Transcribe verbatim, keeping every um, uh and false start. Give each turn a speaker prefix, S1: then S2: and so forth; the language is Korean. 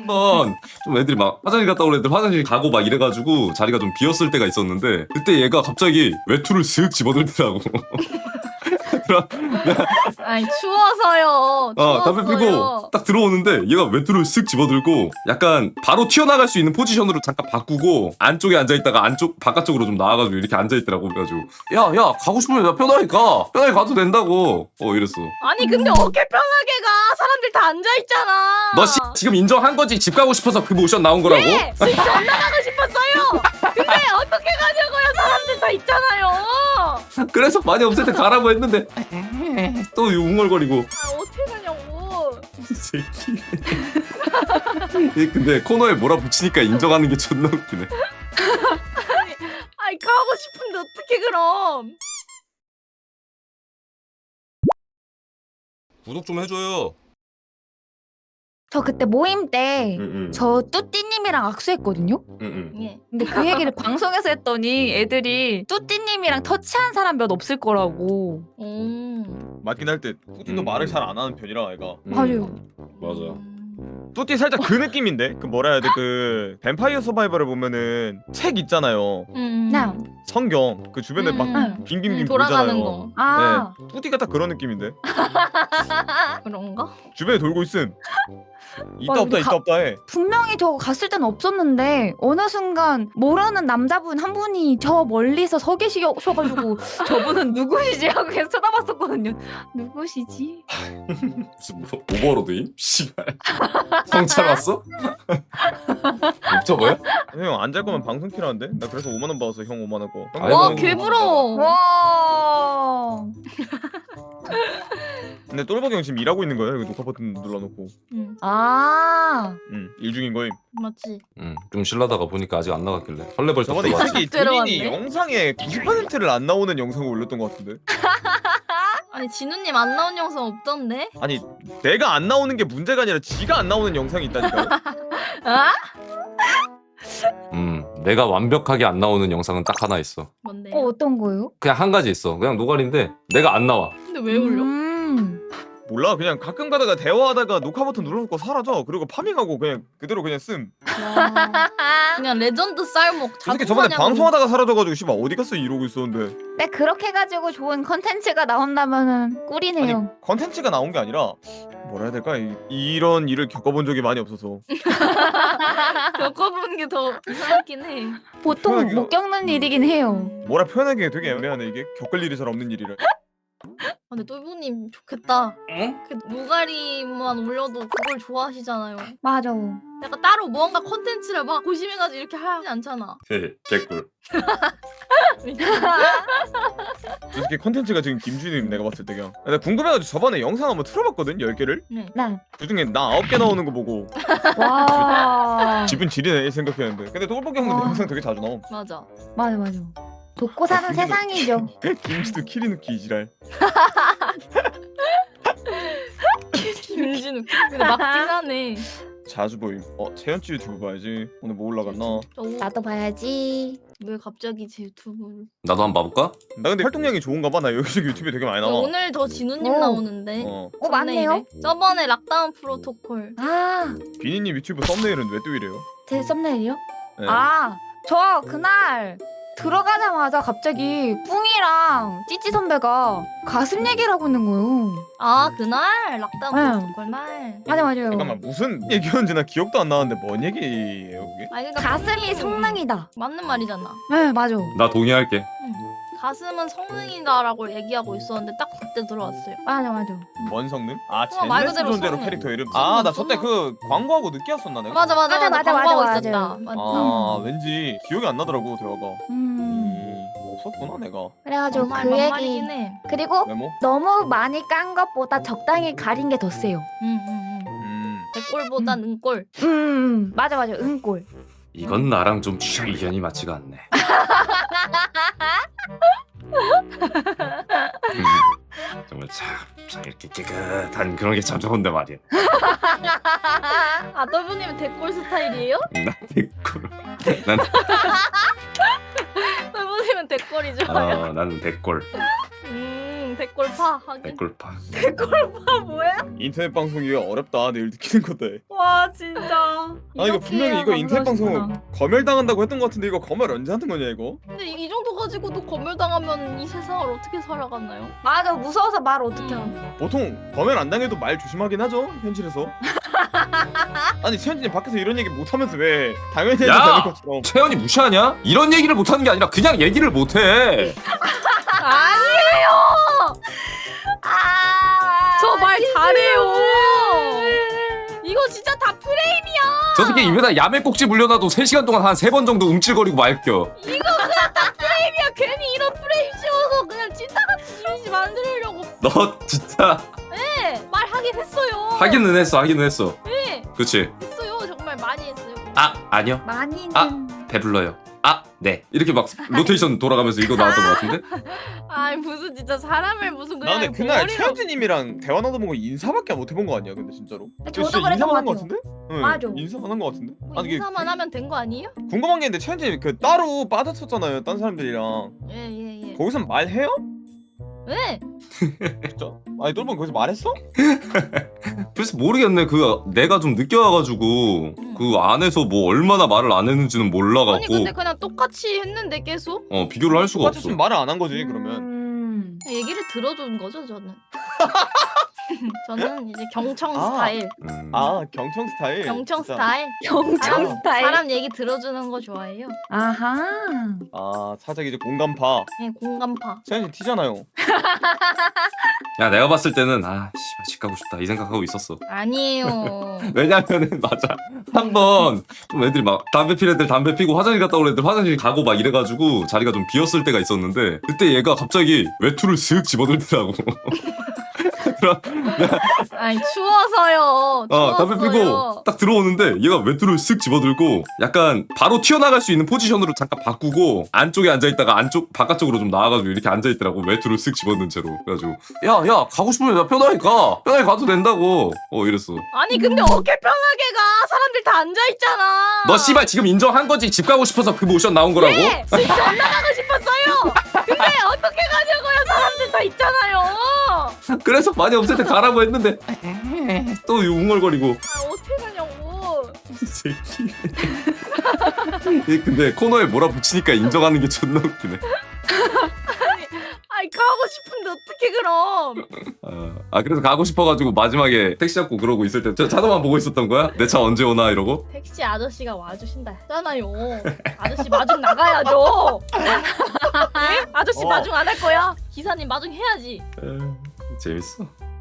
S1: 한번 좀 애들이 막 화장실 갔다 온 애들 화장실 가고 막 이래가지고 자리가 좀 비었을 때가 있었는데 그때 얘가 갑자기 외투를 슥 집어들더라고.
S2: 아니 추워서요.
S1: 어, 담배
S2: 추웠어요.
S1: 피고 딱 들어오는데 얘가 외투를 쓱 집어들고 약간 바로 튀어나갈 수 있는 포지션으로 잠깐 바꾸고 안쪽에 앉아있다가 안쪽 바깥쪽으로 좀 나와가지고 이렇게 앉아있더라고. 그래가지고 야야 가고 싶으면 야 편하게 가 편하게 가도 된다고 어 이랬어.
S2: 아니 근데 어깨 편하게 가. 사람들 다 앉아 있잖아.
S1: 너 씨, 지금 인정한 거지? 집 가고 싶어서 그 모션 나온 거라고?
S2: 네, 집 전화 가고 싶었어요. 근데 어떻게 가냐고요? 사람들 다 있잖아요.
S1: 그래서 많이 없을 때 가라고 했는데 또 웅얼거리고.
S2: 아 어떻게 가냐고.
S1: 새끼. 얘 근데 코너에 몰아붙이니까 인정하는 게 존나 웃기네.
S2: 아니 가고 싶은데 어떻게 그럼?
S1: 구독 좀 해줘요.
S3: 저 그때 모임 때
S1: 응응.
S3: 저 뚜띠님이랑 악수했거든요?
S1: 응응.
S2: 예.
S3: 근데 그 얘기를 방송에서 했더니 애들이 뚜띠님이랑 터치한 사람 몇 없을 거라고.
S2: 음.
S4: 맞긴 할 때 뚜띠도
S1: 음.
S4: 말을 잘 안 하는 편이라 애가.
S3: 맞아요.
S1: 맞아.
S4: 뚜띠 살짝 그 느낌인데 그 뭐라 해야 돼 그 뱀파이어 서바이벌을 보면은 책 있잖아요.
S2: 음.
S3: 네.
S4: 성경 그 주변에 막
S2: 음.
S4: 빙빙빙
S2: 음, 돌아가는
S4: 돌잖아요.
S2: 거.
S3: 아,
S4: 네, 뚜띠가 딱 그런 느낌인데
S2: 그런가?
S4: 주변에 돌고 있음. 있다
S3: 와,
S4: 없다
S3: 근데
S4: 있다
S3: 가-
S4: 없다 해.
S3: 분명히 저 갔을 때는 없었는데 어느 순간 모르는 남자분 한 분이 저 멀리서 서 계시셔가지고 저분은 누구시지 하고 계속 쳐다봤었거든요. 누구시지?
S1: 무슨 뭐 오버로드임? 씨발. 성찰 왔어? 목적어야?
S4: 형 안 잘 거면 방송 키라는데? 나 그래서 오만 원 받았어 형 오만 원 거.
S1: 아이고.
S2: 와 개부러워.
S3: 와.
S4: 근데 똘보기 형 지금 일하고 있는 거예요. 여기 녹화 버튼 눌러놓고.
S2: 응
S3: 아.
S4: 응, 일 중인 거임.
S2: 맞지.
S1: 응. 좀 실라다가 보니까 아직 안 나갔길래 설레벌떡
S4: 저번에 이
S1: 들어왔지.
S4: 새끼
S2: 들어왔네.
S4: 드린이 영상에 구십 퍼센트를 안 나오는 영상을 올렸던 것 같은데?
S2: 아니 진우님 안 나온 영상 없던데?
S4: 아니 내가 안 나오는 게 문제가 아니라 지가 안 나오는 영상이 있다니까요?
S2: 아?
S1: 음. 내가 완벽하게 안 나오는 영상은 딱 하나 있어.
S2: 뭔데?
S3: 어, 어떤 거요?
S1: 그냥 한 가지 있어. 그냥 노가리인데 내가 안 나와.
S2: 근데 왜 올려?
S3: 음.
S4: 몰라 그냥 가끔 가다가 대화하다가 녹화 버튼 눌러놓고 사라져. 그리고 파밍하고 그냥 그대로 그냥 씀.
S2: 와. 그냥 레전드 쌀목
S4: 저 새끼 저번에
S2: 자동사냥으로-
S4: 방송하다가 사라져가지고 씨발 어디 갔어 이러고 있었는데.
S3: 네, 그렇게 해가지고 좋은 컨텐츠가 나온다면은 꿀이네요.
S4: 아니 컨텐츠가 나온 게 아니라 뭐라 해야 될까 이, 이런 일을 겪어본 적이 많이 없어서.
S2: 겪어보는 게 더 이상하긴 해.
S3: 보통
S4: 편하게요.
S3: 못 겪는 일이긴 해요.
S4: 뭐라 표현하기 되게 애매하네 이게. 겪을 일이 잘 없는 일이라.
S2: 아, 근데 똘보님 좋겠다.
S1: 응?
S2: 그 노가리만 올려도 그걸 좋아하시잖아요.
S3: 맞아.
S2: 약간 따로 무언가 컨텐츠를 막 고심해가지고 이렇게 하지 않잖아.
S1: 네, 개꿀.
S4: 저 새끼 컨텐츠가 지금 김준임 내가 봤을 때 그냥. 나 궁금해가지고 저번에 영상 한번 틀어봤거든 열 개를.
S2: 네.
S3: 네.
S4: 그중에 나 아홉 개 나오는 거 보고
S3: 와.
S4: 기분 지리네 생각했는데. 근데 똘보기 형도
S3: 와.
S4: 영상 되게 자주 나옴.
S2: 맞아.
S3: 맞아, 맞아. 돕고 사는
S4: 김진우-
S3: 세상이죠.
S4: 김치도 키리누키 이지랄.
S2: 김진우. 근데 맞긴 하네.
S4: 자주 보임. 어 채연치 유튜브 봐야지. 오늘 뭐 올라갔나?
S2: 저 오-
S3: 나도 봐야지.
S2: 왜 갑자기 제 유튜브를?
S1: 나도 한번 봐볼까?
S4: 나 근데 활동량이 좋은가 봐. 나 여기저기 유튜브에 되게 많이 나와.
S2: 오늘 더 진우님
S3: 오.
S2: 나오는데.
S4: 어.
S3: 어, 맞네요.
S2: 썸네일에. 저번에 락다운 프로토콜.
S3: 아,
S4: 비니님 유튜브 썸네일은 왜 또 이래요?
S3: 제 썸네일이요?
S4: 네.
S3: 아, 저 그날 들어가자마자 갑자기 뿡이랑 찌찌 선배가 가슴 얘기를 하고 있는 거예요.
S2: 아 그날 락다운
S3: 응.
S2: 프로토콜 날.
S3: 맞아, 맞아요.
S4: 잠깐만 무슨 얘기였는지 나 기억도 안 나는데 뭔 얘기예요 그게?
S2: 아 그러니까
S3: 가슴이
S2: 본인이
S3: 성능이다.
S2: 맞는 말이잖아.
S3: 네, 맞아.
S1: 나 동의할게.
S2: 가슴은 성능이다라고 얘기하고 있었는데 딱 그때 들어왔어요.
S3: 맞아, 맞아.
S4: 뭔 성능? 아
S2: 어, 말
S4: 젠레스
S2: 그대로
S4: 존재로
S2: 성능.
S4: 캐릭터 이름.
S2: 성능,
S4: 아 나 저때
S2: 성능.
S4: 그 광고하고 늦게 왔었나 내가?
S2: 맞아 맞아
S3: 맞아,
S2: 맞아
S3: 맞아,
S2: 광고하고
S3: 맞아,
S2: 있었다.
S3: 맞아요.
S2: 맞아.
S4: 아 왠지 기억이 안 나더라고 대화가.
S3: 음.
S4: 음, 없었구나 내가.
S3: 그래가지고
S2: 정말
S3: 그
S2: 막말이긴
S3: 얘기.
S2: 해.
S3: 그리고
S4: 메모?
S3: 너무 많이 깐 것보다 적당히 가린 게 더 세요.
S2: 응, 응, 응.
S4: 음.
S2: 백골보다 능골.
S3: 음, 맞아, 맞아. 응골.
S1: 이건 나랑 좀 취향 이견이 맞지가 않네. 음, 정말 참, 참 이렇게 깨끗한 그런 게 참 좋은데 말이야.
S2: 아 똘보님은 백골 스타일이에요?
S1: 난 댓글. 난
S2: 똘보님은 백골이 좋아요.
S1: 어, 나는 댓글.
S2: 음 음 댓글파 하긴.
S1: 댓글파.
S2: 댓글파 뭐야?
S4: 인터넷 방송이 어렵다 늘 느끼는 건데.
S2: 와 진짜.
S4: 아 이거 분명히 이거 인터넷 방송 검열당한다고 했던 것 같은데 이거 검열 언제 하는 거냐 이거?
S2: 근데 이 정도 가지고도 검열당하면 이 세상을 어떻게 살아가나요?
S3: 맞아, 무서워서 말 어떻게 하는.
S4: 보통 검열 안 당해도 말 조심하긴 하죠 현실에서. 아니 최현진이 밖에서 이런 얘기 못 하면서 왜 당연히 해야
S1: 야!
S4: 되는 것처럼.
S1: 채연이 무시하냐? 이런 얘기를 못하는 게 아니라 그냥 얘기를 못해.
S2: 아니에요.
S3: 아,
S2: 저 말 잘해요. 이거 진짜 다 프레임이야.
S1: 저 새끼 입에다 야매 꼭지 물려놔도 세 시간 동안 한 세 번 정도 움찔거리고 말겨.
S2: 이거 그냥 다 프레임이야. 괜히 이런 프레임 씌워서 그냥 찐따같이 이미지 만들려고.
S1: 너 진짜
S2: 네, 말하긴 했어요.
S1: 하기는 했어 하기는 했어.
S2: 네,
S1: 그치?
S2: 했어요. 정말 많이 했어요.
S1: 아 아니요.
S3: 많이는.
S1: 아. 배불러요. 아 네. 이렇게 막 로테이션 돌아가면서 이거 나왔던 것 같은데?
S2: 아니 무슨 진짜 사람을 무슨
S4: 나
S2: 그냥
S4: 근데 그날
S2: 머리로-
S4: 최현진님이랑 대화 나눠본 거 인사밖에 못 해본 거 아니야 근데 진짜로?
S3: 저도
S4: 진짜
S3: 그랬던
S4: 인사만 한
S3: 것
S4: 거 같은데? 응,
S3: 맞아.
S4: 인사만 한 거 같은데?
S2: 뭐
S4: 아니 이게
S2: 인사만 하면 된 거 아니에요?
S4: 궁금한 게 있는데 최현진이 그 따로 빠졌었잖아요 딴 사람들이랑.
S2: 예예 예.
S4: 거기서 말해요?
S2: 왜?
S4: 진짜? 아니 똘봉 거기서 말했어?
S1: 글쎄 모르겠네. 그 내가 좀 늦게 와가지고 그 안에서 뭐 얼마나 말을 안 했는지는
S2: 아니
S1: 몰라갖고
S2: 근데 그냥 똑같이 했는데 계속
S1: 어 비교를 할 수가 없어.
S4: 똑같았으면 말을 안 한 거지 그러면.
S3: 음.
S2: 얘기를 들어준 거죠 저는. 저는 이제 경청
S4: 아.
S2: 스타일,
S1: 음.
S4: 아 경청 스타일.
S2: 경청
S4: 진짜.
S2: 스타일.
S3: 경청
S2: 사람,
S3: 스타일.
S2: 사람 얘기 들어주는 거 좋아해요.
S3: 아하.
S4: 아 살짝 이제 공감파.
S2: 네, 공감파.
S4: 최현진 티잖아요.
S1: 야 내가 봤을 때는 아 씨발 집 가고 싶다 이 생각하고 있었어.
S2: 아니에요.
S1: 왜냐면은 맞아 한번 좀 애들이 막 담배 피는 애들 담배 피고 화장실 갔다 올 애들 화장실 가고 막 이래가지고 자리가 좀 비었을 때가 있었는데 그때 얘가 갑자기 외투를 슥 집어들더라고. 그럼
S2: 아니 추워서요.
S1: 어 담배
S2: 추웠어요.
S1: 피고 딱 들어오는데 얘가 외투를 슥 집어들고 약간 바로 튀어나갈 수 있는 포지션으로 잠깐 바꾸고 안쪽에 앉아있다가 안쪽 바깥쪽으로 좀 나와가지고 이렇게 앉아있더라고. 외투를 슥 집어든 채로. 그래가지고 야야 가고 싶으면 나 편하게 가 편하게 가도 된다고 어 이랬어.
S2: 아니 근데 어깨 편하게 가. 사람들 다 앉아 있잖아.
S1: 너 씨발 지금 인정한 거지? 집 가고 싶어서 그 모션 나온 거라고?
S2: 네, 진짜 안 나가고 싶었어요. 근데 어떻게 가냐고요? 사람들 다 있잖아요.
S1: 그래서 많이 없을 때 가라고 했는데 또 웅얼거리고.
S2: 아 어떻게 가냐고.
S1: 이 새끼. 얘 근데 코너에 몰아붙이니까 인정하는 게 존나 웃기네.
S2: 아니 가고 싶은데 어떻게 그럼?
S1: 아, 아 그래서 가고 싶어가지고 마지막에 택시 잡고 그러고 있을 때 저 차도만 보고 있었던 거야? 내 차 언제 오나 이러고?
S2: 택시 아저씨가 와주신다 했잖아요. 아저씨 마중 나가야죠. 예? 아저씨
S4: 어.
S2: 마중 안 할 거야? 기사님 마중 해야지.
S1: 에, 재밌어.